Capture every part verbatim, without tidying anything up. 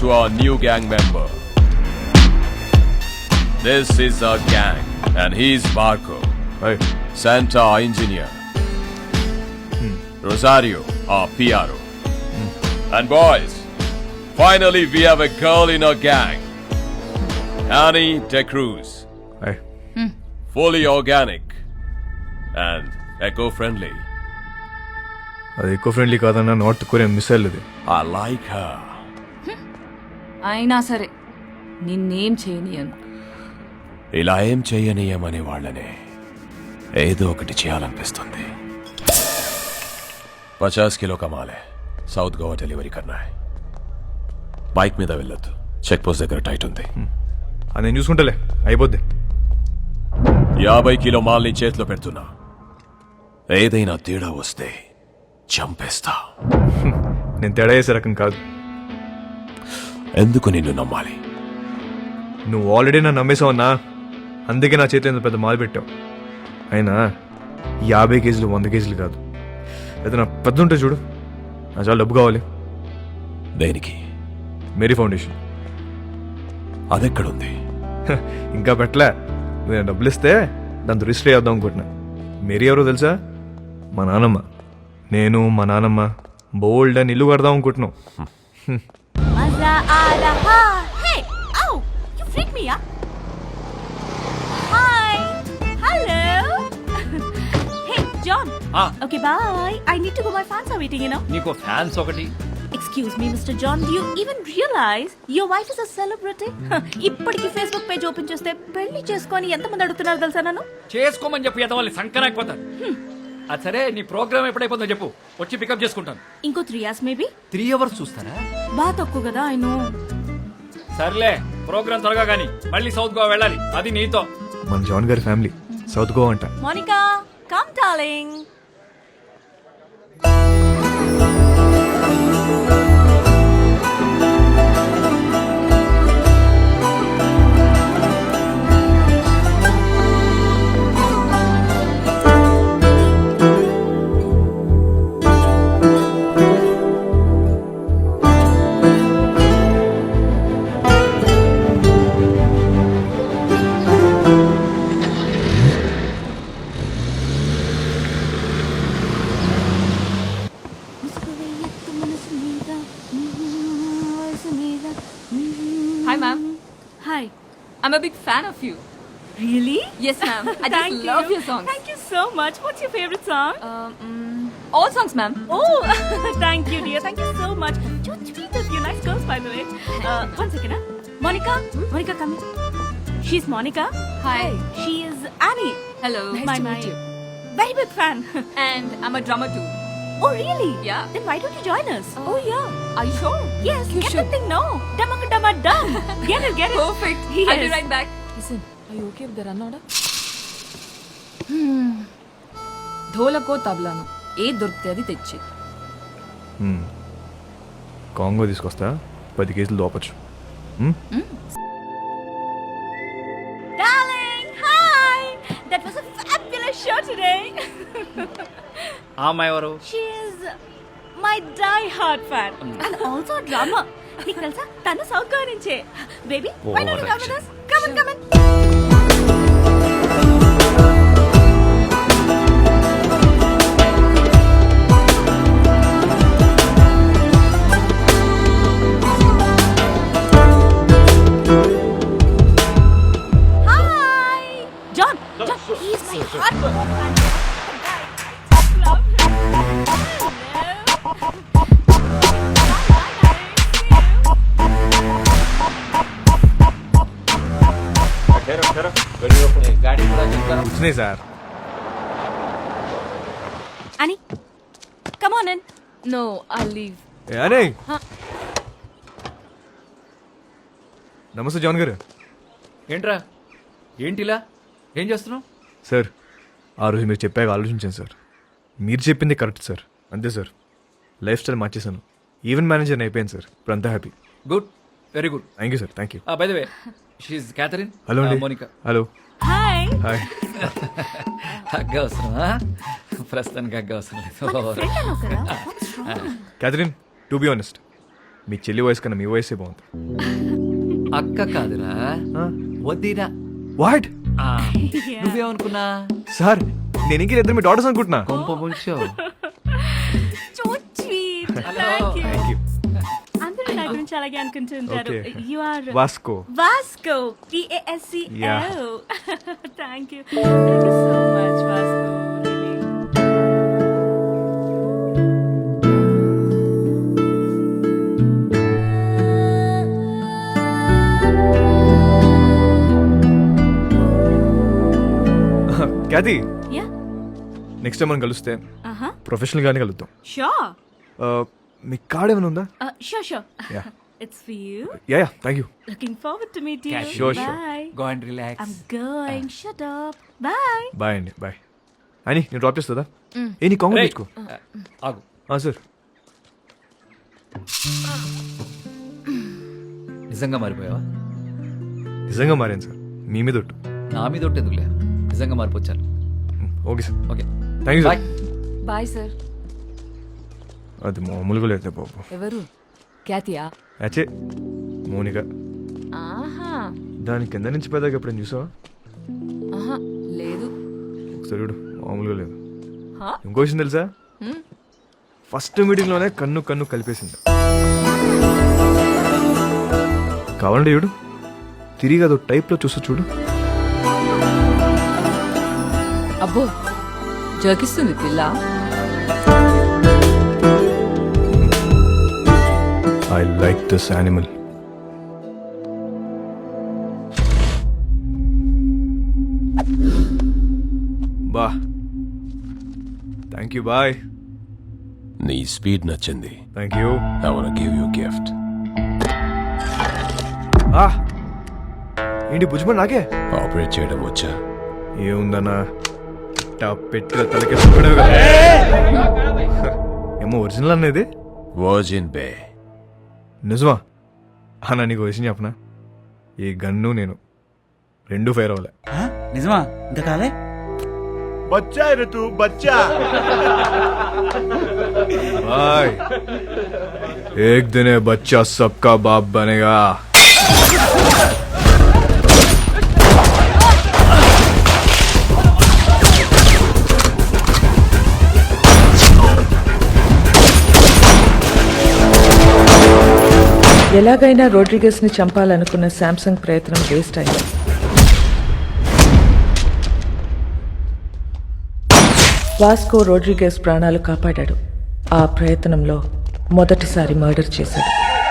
to our new gang member. This is our gang, and he's Marco, Hey. Santa, our engineer. Hmm. Rosario, our P R O. And boys, finally we have a girl in our gang. Annie De Cruz. Hey. Fully organic and eco-friendly. అది eco friendly కాదన్న north Korean missile ఇది. I like her. అయినా సరే నిన్నేం చేయనియను. ఇలా ఏం చేయనీయమనే వాళ్ళనే ఏదో ఒకటి చేయాలనిపిస్తుంది. పచాస్ కిలో కమాలే సౌత్ గోవా డెలివరీ కన్నా. బైక్ మీద వెళ్ళొద్దు, చెక్ పోస్ట్ దగ్గర టైట్ ఉంది. అది నేను చూసుకుంటలే, అయిపోద్ది. యాభై కిలో మాల్ని చేతిలో పెడుతున్నా. ఏదైనా తేడా వస్తే చంపేస్తా. నేను తేడా చేసే రకం కాదు. ఎందుకు నిన్ను నమ్మాలి? నువ్వు ఆల్రెడీ నన్ను నమ్మేసావన్నా, అందుకే నా చేతిలో ఇంత పెద్ద మాలు పెట్టావు. అయినా యాభై కేజీలు వంద కేజీలు కాదు, ఏదైనా పెద్ద ఉంటే చూడు, నా చాలా డబ్బు కావాలి. దేనికి? Mary foundation. అదెక్కడుంది? ఇంకా పెట్టలే. నేను డబ్బులు ఇస్తే దాంతో రిజిస్టర్ చేద్దాం అనుకుంటున్నా. మేరీ ఎవరో తెలుసా? మా నానమ్మ. నేను మా నానమ్మ బోల్డ్ అని ఇల్లు కడదాం అనుకుంటున్నాం. మజా ఆ రహా. Hey oh you freak me yeah. Hi hello. Hey John. Okay bye. I need to go, my fans are waiting you know. నీకో ఫ్యాన్స్ ఒకటి. Excuse me, Mister John, do you even realize your wife is a celebrity? ఇప్పటికి Facebook page open చేస్తే పెళ్లి చేసుకొని ఎంతమంది అడుగుతున్నారు తెలుసా నన్ను? చేసుకోమని చెప్పి ఎంత వాళ్ళు సంకరాకపోతారు. అది సరే, నీ ప్రోగ్రామ్ ఎప్పుడైపోతుందో చెప్పు, వచ్చి పికప్ చేసుకుంటాను. ఇంకో three hours maybe. Three hours చూస్తారా? బాగా తక్కువ కదా. I know. సర్లే, ప్రోగ్రామ్ త్వరగా కానీ మళ్ళీ సౌత్ గోవా వెళ్ళాలి, అది నీతో. మన జాన్ గారి ఫ్యామిలీ సౌత్ గోవా అంట. Monica come darling. Hi ma'am. Hi. I'm a big fan of you. Really? Yes ma'am. I Thank just love you. your songs. Thank you so much. What's your favorite song? Um, mm, all songs ma'am. Oh, thank you, dear. Thank you so much. So sweet of you. Nice girls, by the way. Uh, one second, huh? Monica? Hmm? Monica, come in. She's Monica. Hi. She is Annie. Hello. my, my very big fan. And I'm a drummer too. Oh, really? Yeah. Then why don't you join us? Uh, oh, yeah. Are you sure? Yes, You get should. the thing now. Dumma dumma dum. Get it, get it. Perfect. Yes. I'll be right back. Listen, are you okay with the run order? Hmm. ధోలకో తబలాను ఏ దొరికితే అది తెచ్చి. Congo తీసుకొస్తా, పది కేజీలు దోపచ్చు. Darling, hi. That was a fabulous show today. ఆ అమ్మాయి ఎవరు? She is my die-hard fan and also a drummer. నీకు తెలుసా తను సౌత్ గోవా నుంచే. Baby, why don't you come with us? Come on, come on. Hi, John. John, he's my hardcore fan. Love him. వచ్చినాయి sir. Annie, come on in. No, I'll leave. ఏ అనే. నమస్తే John గారు. ఏంట్రా, ఏంటిలా ఏం చేస్తున్నావు? సార్, ఆ రోజు మీరు చెప్పాక ఆలోచించాను సార్. మీరు చెప్పింది కరెక్ట్ సార్. అంతే సార్, లైఫ్ స్టైల్ మార్చేశాను. ఈవెంట్ మేనేజర్ అయిపోయాను సార్. ఇప్పుడు అంతా happy. Good, very good. Thank you sir. Thank you. By the way, షీఈ్ క్యాథరిన్. హలో అండి. మోనికా. హలో. Hi. హాయ్. హగ్గ అవసరమా? ప్రస్తుతానికి హగ్గ అవసరం లేదు. క్యాథరిన్, టు బి ఆనెస్ట్, మీ చెల్లి వయసు కన్నా మీ వయసే బాగుంది. అక్క కాదురా వద్దిరా. వాట్ ఆ, నువ్వేమనుకున్నా సార్ నేను ఇంక ఇద్దరు మీ డాటర్స్ అనుకుంటున్నా. కొంప ముంచో. So sweet Hello. Thank you thank you. అందరూ నా గురించి అలాగే అనుకుంటుంటారు. Okay. You are Vasco. Vasco T A S C Yeah. Oh thank you thank you so much Vasco really. Cathy yeah next time మనం కలిస్తే ఆహా ప్రొఫెషనల్ గానే కలుద్దాం. షూర్ Uh, మీ కార్డ్ ఏమైనా ఉందా? Sure sure Yeah. It's for you. Yeah yeah thank you. Looking forward to meet you. Catch you. Sure, sure. Bye. Go and relax. I'm going. Shut up. Bye. Bye అండి bye. అని నేను drop చేస్తుందా? ఏ నీ కాంగ్రెస్ తెచ్చుకో. ఆగు. Sir నిజంగా మారిపోయావా? నిజంగా మారాను సార్, మీ మీద ఒట్టు. నా మీద ఒకటి ఎందుకులే, నిజంగా మారిపోచ్చాను. Okay sir, okay thank you bye. Sir. Bye sir. అది మామూలుగా లేదు బాబు. ఎవరు? క్యాతియా? అచ్చే మోనిక. ఆహా దాని కింద నుంచి పెద్దగా ఎప్పుడైనా చూసావా? ఆహా లేదు. ఒకసారి చూడు, మామూలుగా లేదు. హా? ఇంకో విషయం తెలుసా? హ్మ్. ఫస్ట్ మీటింగ్లోనే కన్ను కన్ను కలిపేసింది. కావాలంటే చూడు, తిరిగి అదో టైప్లో చూస్తూ చూడు. అబ్బో జోకిస్తుంది పిల్ల. I like this animal. బా థ్యాంక్ యూ బాయ్. నీ స్పీడ్ నచ్చింది. Thank you. I wanna give you a gift. ఏంటి భుజమని నాకే ఆపరేట్ చేయడం వచ్చా? ఏముందన్నా ఇట్టా పెట్టిన తలకి పడేవి కదా. ఏమో ఒరిజినల్ అనేది వర్జిన్ బే. నిజమా అన్న? నీకు విషయం చెప్పనా, ఈ గన్ను నేను రెండు ఫైర్ అవ్వలే. నిజమా? ఇంకా కాలే? बच्चा है रे तू बच्चा. भाई एक दिन ये बच्चा सबका बाप बनेगा. ఎలాగైనా రోడ్రిగస్ ని చంపాలనుకున్న శాంసంగ్ ప్రయత్నం వేస్ట్ అయింది. వాస్కో రోడ్రిగస్ ప్రాణాలు కాపాడాడు. ఆ ప్రయత్నంలో మొదటిసారి మర్డర్ చేశాడు.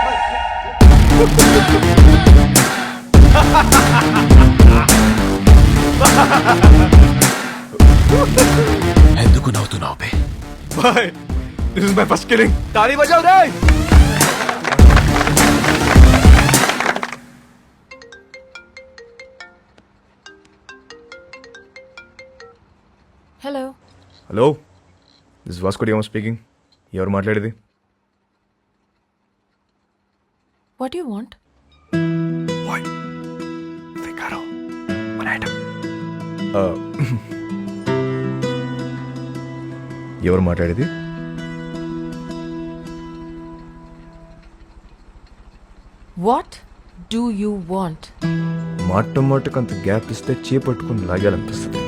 ఎందుకు నవ్వుతున్నావు బే? Bye. This is my first killing. ताली बजाओ रे. Hello hello, this Vasco da Gama speaking. ఎవరు మాట్లాడేది? What you want? ఎవరు మాట్లాడేది? What do you want? మాట మాటకు అంత గ్యాప్ ఇస్తే చేపట్టుకుని లాగాలనిపిస్తుంది.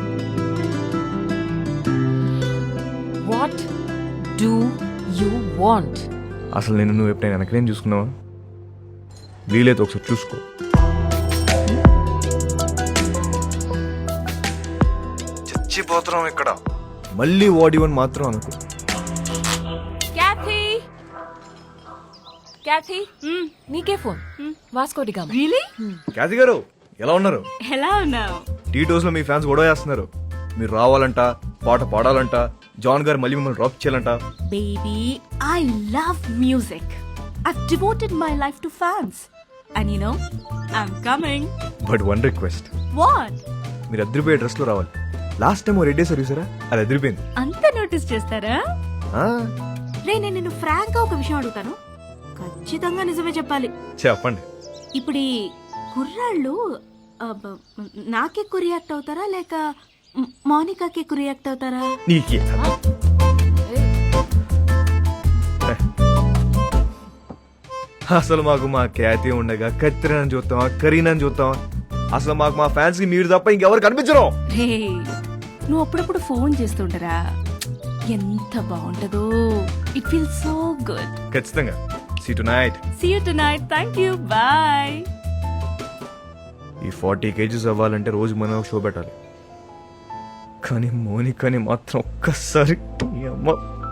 What do you want? అసలు నేను నువ్వు ఎప్పుడైనా వెనకనేం చూసుకున్నావా? వీలైతే ఒకసారి చూసుకో. చచ్చిపోతున్నాం ఇక్కడ. మళ్ళీ వాడివని మాత్రం అనుకో. క్యాథీ క్యాథీ నీకే phone. Vasco da Gama. Really? Cathy గారు ఎలా ఉన్నారు? ఎలా ఉన్నావు? టీ టోస్ లో మీ ఫ్యాన్స్ గొడవ చేస్తున్నారు. మీరు రావాలంట, పాట పాడాలంట, జాన్ గారు మళ్ళీ మిమ్మల్ని డ్రాప్ చేయాలంట. Baby, I love music. I've devoted my life to fans. And you know, I'm coming. But one request, What? మీరు అద్దరిపోయే డ్రెస్ లో రావాలి. లాస్ట్ టైం రెడ్ డే సర్వీసరా, అది అదిరిపోయింది. అంత నోటీస్ చేస్తారా? ఆ, రే నేను నిన్ను ఫ్రాంక్ గా ఒక విషయం అడుగుతాను, ఖచ్చితంగా నిజమే చెప్పాలి. చెప్పండి. ఇప్పుడు ఈ కుర్రాళ్ళు అబ్బ, నాకే ఎక్కువ రియాక్ట్ అవుతారా లేక మ్- మౌనికాకి ఎక్కువ రియాక్ట్ అవుతారా? నీకే అసలు మాకు మా ఖ్యాతి ఉండగా కత్తిరని చూస్తావా కరీనని చూస్తావా అసలు మాకు మా ఫ్యాన్స్ కి మీరు తప్ప ఇంకెవరు కనిపించరు. రే నువ్వు అప్పుడప్పుడు ఫోన్ చేస్తుంటరా ఎంత బాగుంటదో. It feel so good. ఖచ్చితంగా see tonight. See you tonight. Thank you. Bye. ఈ ఫార్టీ కేజీస్ అవ్వాలంటే రోజు మనం ఒక షో పెట్టాలి. కానీ మోనికాని మాత్రం ఒక్కసారి ఈ అమ్మ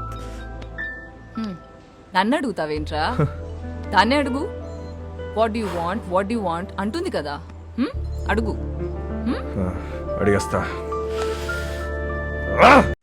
నన్ను అడుగుతావేంట్రా దాన్నే అడుగు. What you want what you want అంటుంది కదా. హ్మ్? అడుగు. ఆ, అడిగేస్తా.